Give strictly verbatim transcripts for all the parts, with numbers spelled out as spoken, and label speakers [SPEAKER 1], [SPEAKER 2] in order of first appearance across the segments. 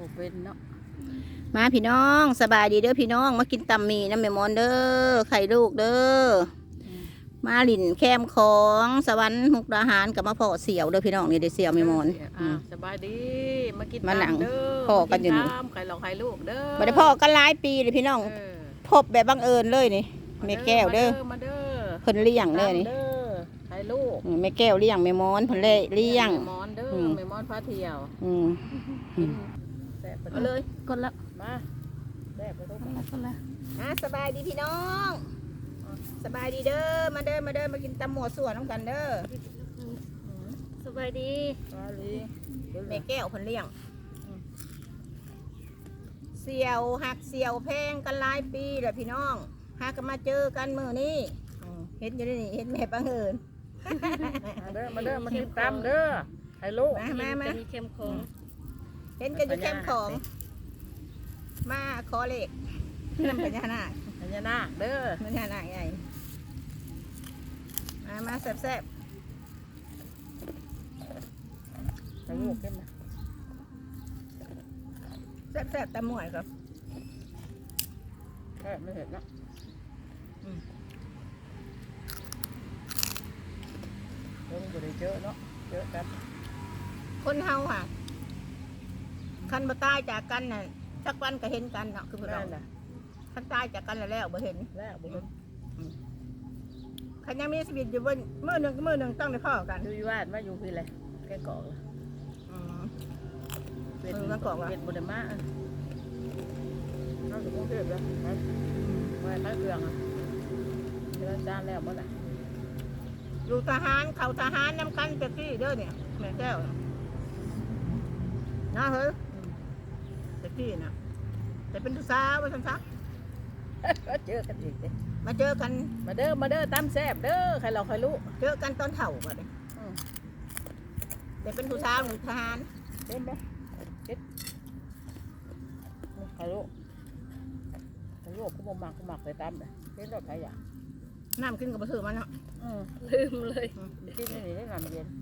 [SPEAKER 1] บ่เป็นเนาะ
[SPEAKER 2] มาพี่น้องสบายดีเด้อพี่น้องมากินตำหมี่น้ำแม่มอนเด้อไข่ลูกเด้อมาหลินแคมของสวรรค์มุกดาหารกับมาพ่อเสี่ยวเด้อพี่น้องนี่ได้เสี่ยวแม่มอน
[SPEAKER 1] สบายดีมากิน
[SPEAKER 2] มาหนัง
[SPEAKER 1] เด้อ
[SPEAKER 2] พ่อกันอยู่นี่
[SPEAKER 1] ไข่หลอกไข่ลูกเด้อ
[SPEAKER 2] บ่ได้พ่อกันหลายปีเลยพี่น้องพบแบบบังเอิญเลยนี่แม่แก้วเด้อ
[SPEAKER 1] มาเด้อ
[SPEAKER 2] เพิ่นเลี้ยงเด้อนี่
[SPEAKER 1] ไข่ลูก
[SPEAKER 2] แม่แก้วเลี้ยงแม่มอนเพิ่นเล่เลี้ยง
[SPEAKER 1] แม่มอนเด้อแม่มอนพาเที่ยว
[SPEAKER 2] อืม
[SPEAKER 1] เอาเลย
[SPEAKER 2] กดแล้ว
[SPEAKER 1] มาแซ่บไปทุกคน
[SPEAKER 2] กดแล้วอ่ะสบายดีพี่น้องสบายดีเด้อมาเด้อมาเด้อมากินตำหมวดส่วนน้ำกันเด้อ
[SPEAKER 1] สบายดีสบายดี
[SPEAKER 2] แม่แก้วเพิ่นเลี้ยงเสี่ยวหักเสี่ยวแพงกันหลายปีแล้วพี่น้องหากันมาเจอกันมื้อนี้เห็นอยู่นี่เห็นแม่บังเอิญ
[SPEAKER 1] มาเด้อมาเด้อมากินตำเด้อไข่ลูก
[SPEAKER 2] มามามา
[SPEAKER 1] เข้มข้น
[SPEAKER 2] เห็นกันอยู่แคมป์ของมาขอเลขน้ำพญานาค
[SPEAKER 1] พญานาคเด้อ
[SPEAKER 2] พญานาคใหญ่มามาแซ่บแซ่บ
[SPEAKER 1] ไข่ลูกเข้มนะ
[SPEAKER 2] แซ่บแซ่บตะหมวยครับ
[SPEAKER 1] แซ่บไม่เห็นนะเพิ่งจะได้เจอเนาะเจอกัน
[SPEAKER 2] คนเฮาค่ะคันบ่ตายจากกันน่ะสักวันก็เห็นกันเนาะคือพวกเราคันตายจากกันแล้วบ่เห็น
[SPEAKER 1] แล้วบ่เห็น
[SPEAKER 2] คันยังมีชีวิตอยู่บนมื้อหนึ่งมื้อหนึ่งต้องได้พ่อกัน
[SPEAKER 1] อยู่อยู่บ้านมาอยู่พี่เลยแกเกาะ
[SPEAKER 2] อืม
[SPEAKER 1] เป็นมันเกาะเป็นบนม้าเราถึงกรุงเทพแล้วมาไปเครื่องอ่ะเวลาจานแล้วบ่ได้
[SPEAKER 2] อยู่ทหารเขาทหารน้ำกันเต็มที่เด้อเนี่ยแม่แก้วนะเฮ้ยเต็มที่นะแต่เป็นทุสาวว่าสันซัก
[SPEAKER 1] ก็เจอกันอีกเด้
[SPEAKER 2] มาเจอกัน
[SPEAKER 1] มาเด้อมาเด้อตามแซ่บเด้อใครเราใครรู้
[SPEAKER 2] เจอกันตอนเถ่าก่อนเลยแต่เป็นทุสาวหนึ่งทหาร
[SPEAKER 1] เห็นไหมเห็นใครรู้ใครรู้กูบ่มักกูมักไปตามเลยเห็นรถใครอยาก
[SPEAKER 2] น้ำขึ้นกับมาถือมันเนาะ
[SPEAKER 1] ลืมเลยกินนี่ได้น้ำเย็น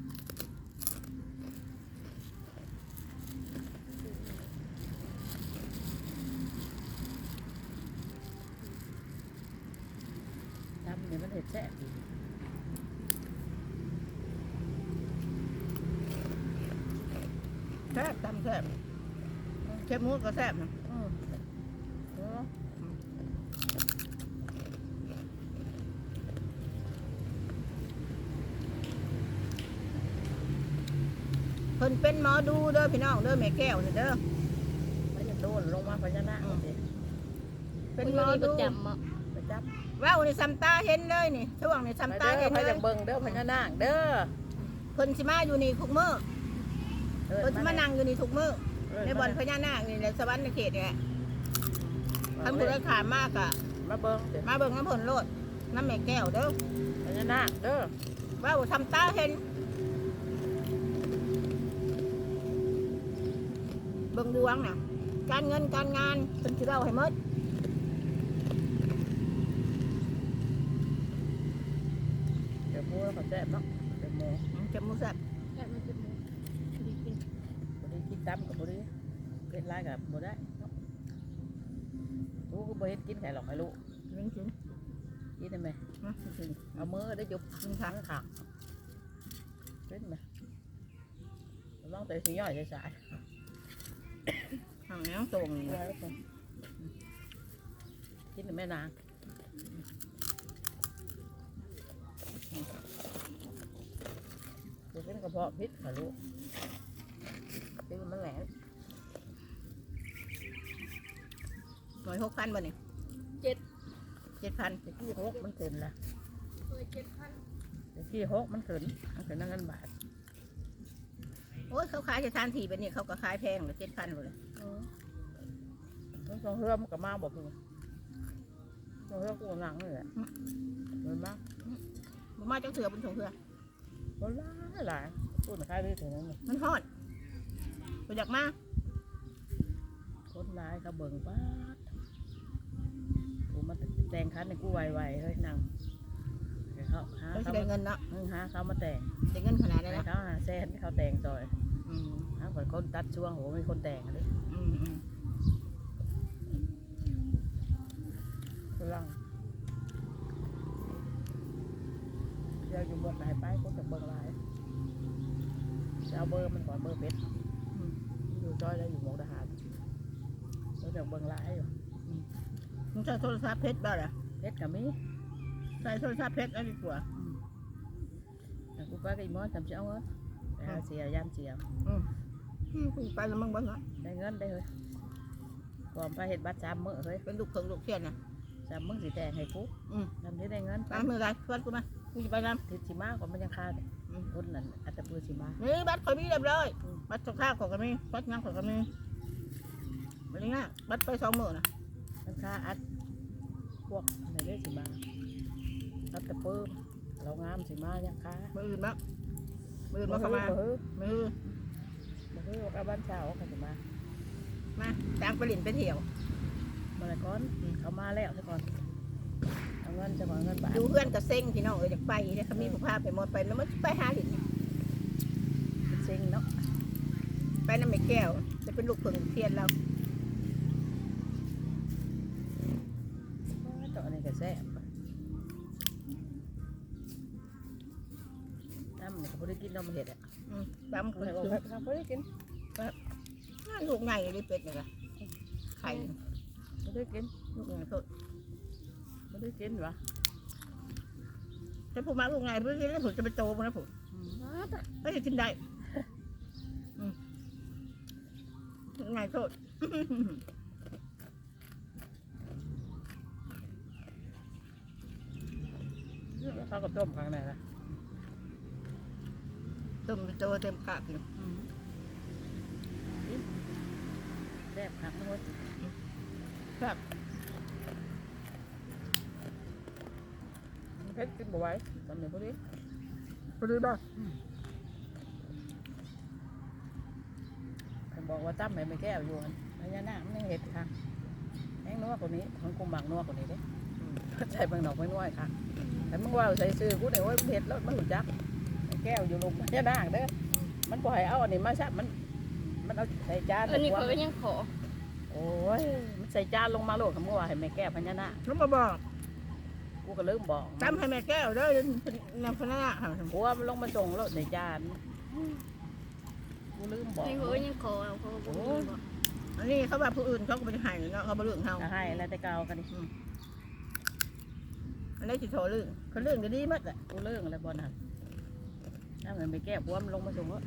[SPEAKER 1] ทำเนี่ยมันเห็ดแซ่บ
[SPEAKER 2] แซ่บตำแซ่บแซ่บมูดก็แซ่บนะเพิ่นเป็นหมอดูเด้อพี่น้องเด้อแม่แก้วเด้อ
[SPEAKER 1] มันจะโดนลงมาพญานาค
[SPEAKER 2] เป็นหมอดู
[SPEAKER 1] ประจำอ่ะประจ
[SPEAKER 2] ำว้าวนี่ซัมตาเห็นเลยนี่ช่วงนี่ซัมตาเห็นเลย
[SPEAKER 1] เบิ่งเด้อพญานาคเด้อ
[SPEAKER 2] เพิ่นสิมาอยู่นี่ทุกมื้อเพิ่นสิมานั่งอยู่นี่ทุกมื้อในบ่อนพญานาคนี่ในสวรรค์ในเขตนี่ทำบุญขามมากอ่ะ
[SPEAKER 1] มาเบิ่ง
[SPEAKER 2] มาเบิ่งน้ำผลโลดน้ำแม่แก้วเด้อ
[SPEAKER 1] พญานาคเด้อ
[SPEAKER 2] ว้าวซัมตาเห็นเบิ่งดวงน่ะการเงินการงานเป็นที่เราให้หมด
[SPEAKER 1] เดี๋ยวมูเขาแซ่บเนาะเดี๋ยวมู
[SPEAKER 2] จะมูแซ่บ
[SPEAKER 1] แซ่บมันจะมูดีกินดีกินตำกับบุรีเป็นไรกับบุได้รู้ก็บ่เห็นกินไข่หรอกไอ้ลูก
[SPEAKER 2] กินกิน
[SPEAKER 1] กินได้ไหมเอามือได้จุบกินทั้งขาเป็นไหมลองแต่สีย่อยใส่
[SPEAKER 2] ทางนี้ต้องส่ง
[SPEAKER 1] กินแม่นางจะเป็นกระเพาะพิษค่ะลูกเป็นมันแหลม
[SPEAKER 2] หน่วยหกพันบ่เนี่ย
[SPEAKER 1] เจ็ด
[SPEAKER 2] เจ็ดพัน
[SPEAKER 1] จะกี่หกมันเกินละเจ็ดพันจะกี่หกมันเกินมันเกินนั่งเงินบาท
[SPEAKER 2] โอ้ยเขาขายจะทานทีแบบนี้เขาก็ขายแพงเลยเจ็ดพันเลย
[SPEAKER 1] ต้องส่งเรือมันกับมาบอกเลยส่งเรือกูหนังเลยแหละเห็นไหม
[SPEAKER 2] มันมาจังเสือบนส่งเรือ
[SPEAKER 1] มันล้าหลายพูดมาขายได้ถึงนั้น
[SPEAKER 2] มันทอดไปจากมา
[SPEAKER 1] คนร้ายเขาเบิ่งป้ากูมาแต่งคันในกูไวๆเลยนั่งเขาหา
[SPEAKER 2] เขาได้เงินเนาะ
[SPEAKER 1] หาเขามาแต่ง
[SPEAKER 2] ได้เงินขนาดนั้น
[SPEAKER 1] เขาหาแซนเขาแต่งซอยหาคนคนตัดช่วงโหมีคนแต่งเลยไปกูจะเบิ่งไลน์จะเอาเบอร์มันก่อนเบอร์เพชรอยู่จอยแล้วอยู่หมกทหารเราจะเบิ่งไลน์อยู่
[SPEAKER 2] มึงใช้โทรศัพท์เพชรบ้าเหรอ
[SPEAKER 1] เพชรกับมี
[SPEAKER 2] ใช้โทรศัพท์เพชรอะไรดีกว่า
[SPEAKER 1] แต่กูไปกับอีมอนทำเช้าเงินไปหาเสียยามเสีย
[SPEAKER 2] อืมกูไปแล้วมึงบ้างเหรอ
[SPEAKER 1] ได้เงินได้เลยก่อนไปเห็ดบัตรสามมื้อเฮ้ย
[SPEAKER 2] เป็นลูกเพิงลูกเทียนนะ
[SPEAKER 1] สามมื้อสีแดงให้กู
[SPEAKER 2] อืม
[SPEAKER 1] ทำที่ได้เงิน
[SPEAKER 2] ตามมือไรชวนกูมากูจะไปน
[SPEAKER 1] ทิศสีมาก่อนมันยังคาเลยคนนั้นอัตตปือสีมา
[SPEAKER 2] ำนี่บัตรคอยมีเรียบร้อยบัตรสข้าวของกันมีบัตรงานของกันมีบัตรง่ายบัตรไปสองหมื่นนะ
[SPEAKER 1] มันคาอัดพวกในเรื่องสีมาอัตตปือเรางามสีมายังคา
[SPEAKER 2] มืออื่นบ้างมืออื่นมาเข้ามา
[SPEAKER 1] เฮ้ย
[SPEAKER 2] มือ
[SPEAKER 1] เฮ้ยว่าบ้านเช้าเขาสีมา
[SPEAKER 2] มาจ้างไปหลินไปเที่ยว
[SPEAKER 1] มาเลยก่อนเขามาแล้วซะก่อนเอาเงินจะก่อนเงินบาท
[SPEAKER 2] ดูเพื่อนกับเซ็งพี่น้องเอออยากไปเนี่ยเขามีผู้พาไปหมดไปแล้วมันไปหาหลิน
[SPEAKER 1] เซ็งเนาะ
[SPEAKER 2] ไปน้ำไม่แก้วจะเป็นลูกเพิงลูกเทียนเรา
[SPEAKER 1] เจาะนี่ก็แซ่บน้ำเนี่ยเขาไม่ได้กินนมเห็ดอ่ะ
[SPEAKER 2] อืมตามค
[SPEAKER 1] เขา
[SPEAKER 2] น
[SPEAKER 1] ไม่
[SPEAKER 2] สูง
[SPEAKER 1] ได้กิน
[SPEAKER 2] ลูกไงเลยเป็ดเนี่ยไข่
[SPEAKER 1] ไม่ได้กิน
[SPEAKER 2] ลูกไงสด
[SPEAKER 1] ไม่ได้กินวะ
[SPEAKER 2] ถ้าผมมาลูกไงเพื่อนแล้วผมจะไปโตมันนะผมก็จะกินได้ลูกไงสด
[SPEAKER 1] เขาก็ต้มข้างในละ
[SPEAKER 2] ต้มโตเต็มกะกิน
[SPEAKER 1] แซ่บหักนะเว้ย
[SPEAKER 2] ครับ
[SPEAKER 1] เพชรกินบ่ไหวตอนนี้พอดี
[SPEAKER 2] พอดีบ้าง
[SPEAKER 1] เขาบอกว่าตั้มให้ไม่แก้วอยู่พญานาคมันยังเห็ดค่ะแห้งนัวกว่านี้ของกุมบังนัวกว่านี้เด้ใส่บางดอกไม่นัวค่ะแต่มึงว่าใส่ซื้อกูเดี๋ยวเห็ดแล้วมันหลุดจักแก้วอยู่ลงพญานาคเด้อมันปล่อยเอาอันนี้มาซับมันมันเอาใส่จาน
[SPEAKER 3] อันนี้เขาก็ยังขอ
[SPEAKER 1] โอ้ยมันใส่จานลงมาโลดคำว่าให้แม่แก้วพญานาค
[SPEAKER 2] แล้วมาบอก
[SPEAKER 1] กูก็ลืมบอก
[SPEAKER 2] ตามให้แม่แก้วเด้อในพนักงาน
[SPEAKER 1] กูว่ามันลงมาส่งโลดในจานกูลืมบอก
[SPEAKER 3] อันนี้เขาก็ยังขอเอาเขาก็บอกว่า
[SPEAKER 2] อันนี้เขาว่าผู้อื่นเขาก็ไม่ได้ให้เนาะเขาบ่เรื่องเฮา
[SPEAKER 1] จะให้แล้วแต่เก่ากันดิ
[SPEAKER 2] อันนี้สิโทรเรื่องเขาเรื่องก็ดีมากอ่ะ
[SPEAKER 1] กูเรื่องอะไรบอลหันถ้ามันไปแก้บัวมันลงมาส่งแล้ว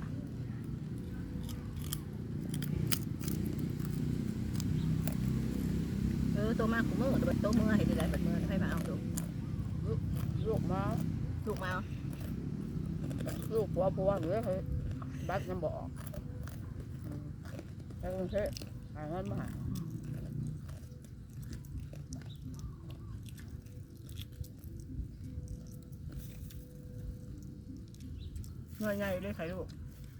[SPEAKER 2] เออตัวมากกูมือตัวตัวมือให้ดีได้บัดมือให้มาเอาดู
[SPEAKER 1] ลูกมา
[SPEAKER 2] ลูกมาเอา
[SPEAKER 1] ลูกบัวบัวหรือเฮ้ยบัตรยังบอกแล้วก็เฮ้ยหาเงินมาหา
[SPEAKER 2] เงยใหญ่เลยไข่ลูก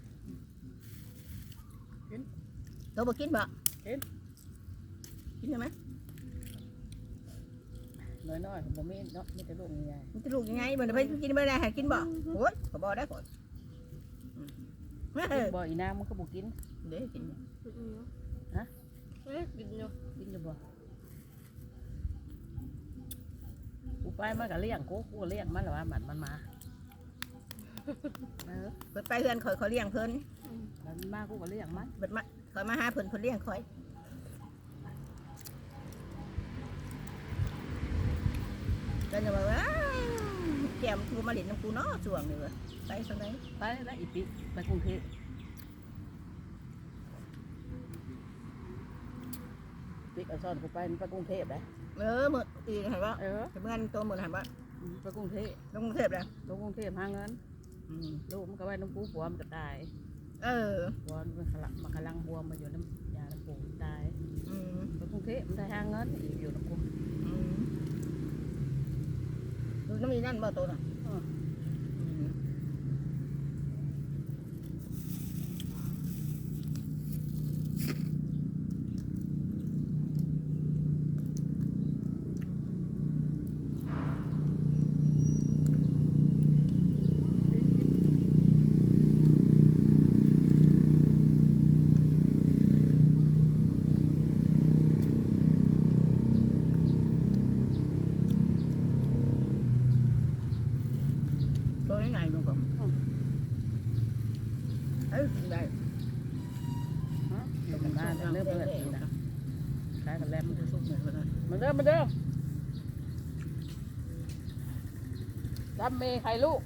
[SPEAKER 2] กินเราบอกกินบ่กินกินได้ไหม
[SPEAKER 1] น้อยๆผมมีเนาะมีแต่ลูกใหญ่
[SPEAKER 2] มันจะลูกยังไงมันไปกินไม่ได้ให้กินบ่โอ้ยขอบอกได้ก่อนเฮ้ย
[SPEAKER 1] บ่อีน้ำมันก็บุกิน
[SPEAKER 2] เดี๋ยวกิน
[SPEAKER 1] ฮะ
[SPEAKER 3] เอ๊ะกินอยู่
[SPEAKER 1] กินอยู่บ่กูไปมันก็เลี้ยงกูกูก็เลี้ยงมันหรอว่ามันมันมาเออ
[SPEAKER 2] เปิดไปเพื่อนคอยเขาเลี้ยงเพิ่น
[SPEAKER 1] มันมากูก็เลี้ยงมัน
[SPEAKER 2] เปิดมาคอยมาหาเพิ่นเพิ่นเลี้ยงคอยก็จะบอกว่าแก้มกูมาเล่นน้ำกูเนาะช่วงนี้เว้ยไปสักไหน
[SPEAKER 1] ไปแล้วอีปีไปกรุงเทพปีกเอาซ่อนกูไปมันไปกรุงเทพเลย
[SPEAKER 2] เออมืออีเห็นว่า
[SPEAKER 1] เออ
[SPEAKER 2] เมื่อตัวมือเห็นว่า
[SPEAKER 1] ไปกรุงเทพ
[SPEAKER 2] ลงกรุงเทพเลย
[SPEAKER 1] ลงกรุงเทพหาเงินลูกมันก็ไว้น้ำปูผัวมันก็ตาย
[SPEAKER 2] เออ
[SPEAKER 1] ผัวมันขลังมันขลังบวมมาอยู่น้ำยาน้ำปูตาย
[SPEAKER 2] อืม
[SPEAKER 1] ไปกรุงเทพมันได้หาเงินอยู่น้ำปู
[SPEAKER 2] อืมดูน้ำมีนั่นบ่ตัวน่ะ
[SPEAKER 1] เอ้ยได้ฮะตกกันมาเริ่มเปิดทีนะคล้ายกันแล้วมันจะสุกเหมือนกันมันเริ่มมันเริ่มจำเมย์ใครลูก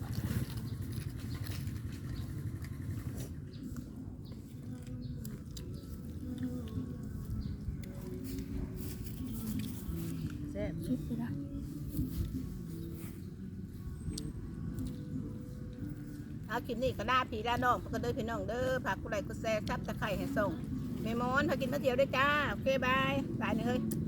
[SPEAKER 1] แซ่บ
[SPEAKER 3] ชิดไปละ
[SPEAKER 2] เอาคลิปนี้ก็ลาพี่ลาน้องพวกก็เด้อพี่น้องเด้อฝากกูไลค์กูแชร์ซับตะไคร้ให้ส่งแม่มอนพากินมาเที่ยวด้วยจ้าโอเคบายบายนี่เฮ้ย